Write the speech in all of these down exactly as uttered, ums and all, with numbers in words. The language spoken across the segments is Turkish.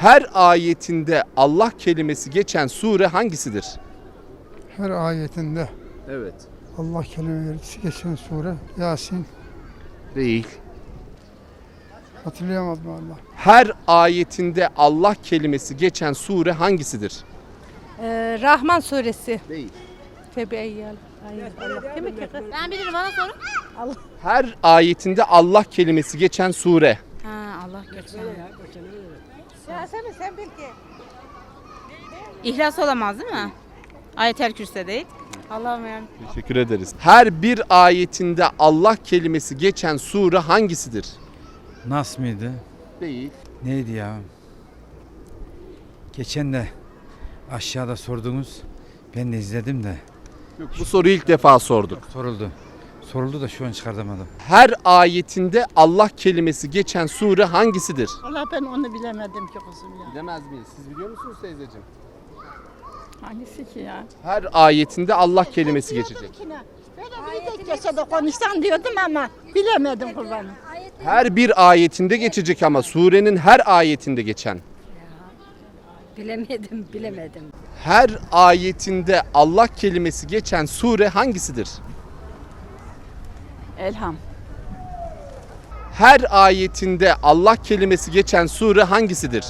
Her ayetinde Allah kelimesi geçen sure hangisidir? Her ayetinde Evet. Allah kelimesi geçen sure Yasin. Değil. Hatırlayamadım Allah. Her ayetinde Allah kelimesi geçen sure hangisidir? Ee, Rahman suresi. Değil. Febeyyel. Ben bilirim, bana sorun. Her ayetinde Allah kelimesi geçen sure. Ha, Allah geçen. Ya sen, sen bil ki. İhlas olamaz değil mi? Ayetel Kürsi değil. Allah'ım yani. Teşekkür ederiz. Her bir ayetinde Allah kelimesi geçen sure hangisidir? Nas mıydı? Değil. Neydi ya? Geçen de aşağıda sordunuz. Ben de izledim de. Yok, bu soruyu ilk defa sorduk. Soruldu. Soruldu da şu an çıkartamadım. Her ayetinde Allah kelimesi geçen sure hangisidir? Valla ben onu bilemedim ki kızım ya. Bilemez miyiz? Siz biliyor musunuz teyzeciğim? Hangisi ki ya? Her ayetinde Allah kelimesi geçecek. Böyle bir tek geçede konuşsan diyordum ama bilemedim kurbanım. Her bir ayetinde geçecek ama surenin her ayetinde geçen. Bilemedim, bilemedim. Her ayetinde Allah kelimesi geçen sure hangisidir? Elham. Her ayetinde Allah kelimesi geçen sure hangisidir?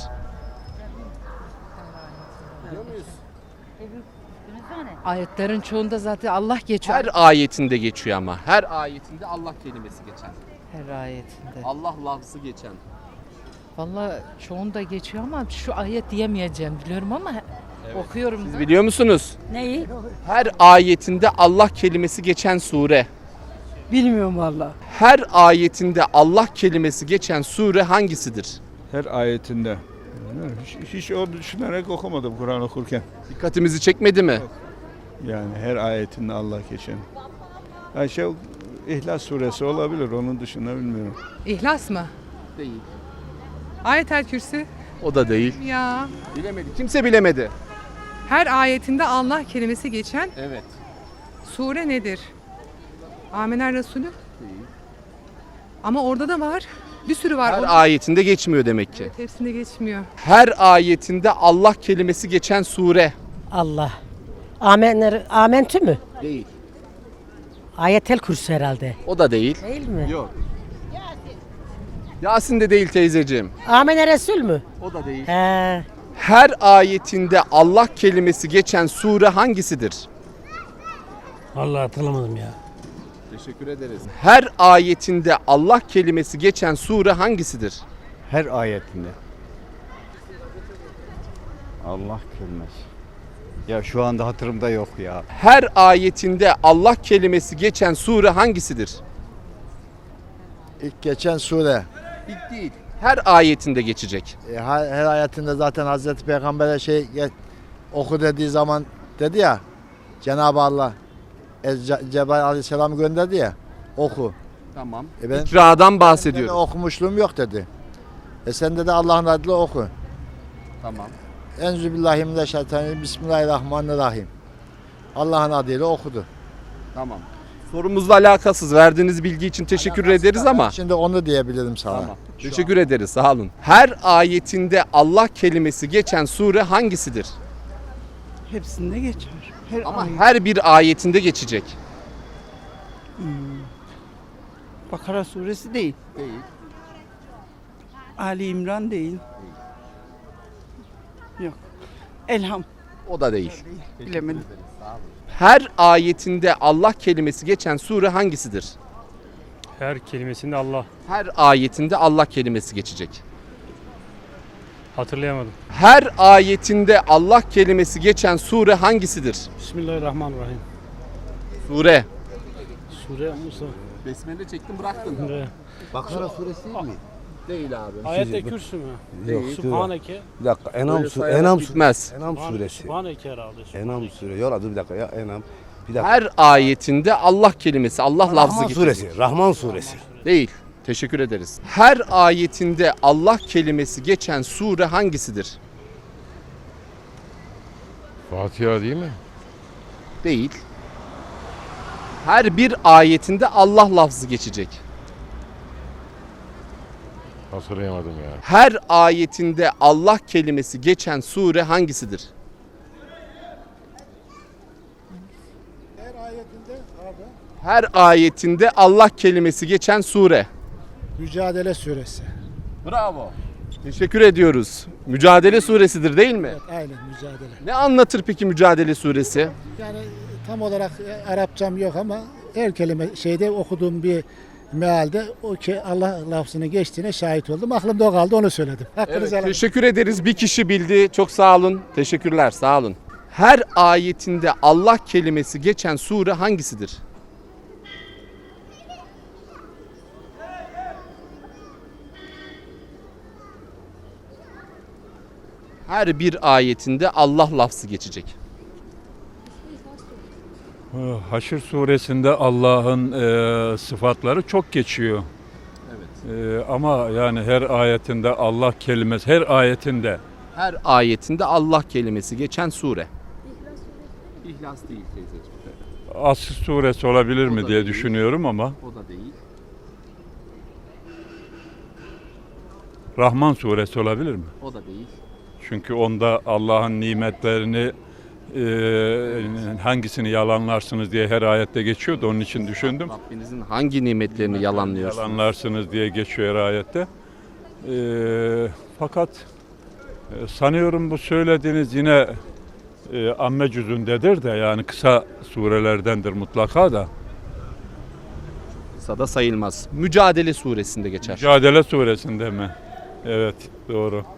Ayetlerin çoğunda zaten Allah geçiyor. Her ayetinde geçiyor ama. Her ayetinde Allah kelimesi geçen. Her ayetinde. Allah lafzı geçen. Vallahi çoğunda geçiyor ama şu ayet diyemeyeceğim biliyorum ama okuyorum Siz da. biliyor musunuz? Neyi? Her ayetinde Allah kelimesi geçen sure. Bilmiyorum valla. Her ayetinde Allah kelimesi geçen sure hangisidir? Her ayetinde. Hiç, hiç o düşünerek okumadım Kur'an okurken. Dikkatimizi çekmedi mi? Yani her ayetinde Allah geçen. Yani şey, İhlas suresi olabilir, onun dışında bilmiyorum. İhlas mı? Değil. Ayetel Kürsi. O da değil. Ya. Bilemedi. Kimse bilemedi. Her ayetinde Allah kelimesi geçen Evet. sure nedir? Amener Resulü. Değil. Ama orada da var. Bir sürü var. Her Onun- ayetinde geçmiyor demek ki. Evet, hepsinde geçmiyor. Her ayetinde Allah kelimesi geçen sure. Allah. Amen, amentü mü? Değil. Ayetel Kürsü herhalde. O da değil. Değil mi? Yok. Yasin de değil teyzeciğim. Amen Resul mü? O da değil. He. Her ayetinde Allah kelimesi geçen sure hangisidir? Vallahi hatırlamadım ya. Teşekkür ederiz. Her ayetinde Allah kelimesi geçen sure hangisidir? Her ayetinde. Allah kelimesi. Ya şu anda hatırımda yok ya. Her ayetinde Allah kelimesi geçen sure hangisidir? İlk geçen sure. İlk değil. Her ayetinde geçecek. E, her, her ayetinde zaten Hazreti Peygamber'e şey ge- oku dediği zaman dedi ya, Cenab-ı Allah e, Ce- Cebrail Aleyhisselam'ı gönderdi ya, oku. Tamam. E ben İkradan ben de bahsediyoruz. okumuşluğum yok dedi. E sen de Allah'ın adıyla oku. Tamam. Enzübillahimineşşeytanirracim. Bismillahirrahmanirrahim. Allah'ın adıyla okudu. Tamam. Sorumuzla alakasız. Verdiğiniz bilgi için teşekkür ederiz ama. Şimdi onu diyebilirim sana. Tamam. Teşekkür ederiz. Sağ olun. Her ayetinde Allah kelimesi geçen sure hangisidir? Hepsinde geçiyor. Her Ama ayet. her bir ayetinde geçecek. Bakara suresi değil. Değil. Ali İmran değil. Yok. Elham. O da değil. Bilemedim. Her ayetinde Allah kelimesi geçen sure hangisidir? Her kelimesinde Allah. Her ayetinde Allah kelimesi geçecek. Hatırlayamadım. Her ayetinde Allah kelimesi geçen sure hangisidir? Bismillahirrahmanirrahim. Sure. Sure Musa. Besmele çektim bıraktın. Bakara suresi değil mi? Değil abi. Ayette kürsü mü? Değil. Subhaneke. Bir dakika. Enam, Böyle su, sayarak Enam, bitmez. Enam suresi. Subhaneke herhalde. Enam suresi. Yola dur bir dakika ya Enam. Bir dakika. Her ayetinde Allah kelimesi, Allah lafzı Rahman geçecek. suresi. Rahman suresi. Değil. Teşekkür ederiz. Her ayetinde Allah kelimesi geçen sure hangisidir? Fatiha değil mi? Değil. Her bir ayetinde Allah lafzı geçecek. Hatırlayamadım ya. Her ayetinde Allah kelimesi geçen sure hangisidir? Her ayetinde abi Her ayetinde Allah kelimesi geçen sure. Mücadele suresi. Bravo. Teşekkür ediyoruz. Mücadele suresidir değil mi? Aynen mücadele. Ne anlatır peki Mücadele suresi? Yani tam olarak Arapçam yok ama her kelime şeyde okuduğum bir mealde o ki Allah lafzını geçtiğine şahit oldum. Aklımda o kaldı, onu söyledim. Evet, teşekkür ederiz. Bir kişi bildi. Çok sağ olun. Teşekkürler. Sağ olun. Her ayetinde Allah kelimesi geçen sure hangisidir? Her bir ayetinde Allah lafzı geçecek. Haşr suresinde Allah'ın e, sıfatları çok geçiyor. Evet. E, ama yani her ayetinde Allah kelimesi, her ayetinde. Her ayetinde Allah kelimesi geçen sure. İhlas değil teyzeciğim. Asr suresi olabilir O mi da diye değil. düşünüyorum ama O da değil. Rahman suresi olabilir mi? O da değil. Çünkü onda Allah'ın nimetlerini e, hangisini yalanlarsınız diye her ayette geçiyordu. Onun için düşündüm. Rabbinizin hangi nimetlerini yalanlıyorsunuz? Yalanlarsınız diye geçiyor her ayette. E, fakat e, sanıyorum bu söylediğiniz yine e, amme cüzündedir de, yani kısa surelerdendir mutlaka da. Kısa da sayılmaz. Mücadele suresinde geçer. Mücadele suresinde mi? Evet, doğru.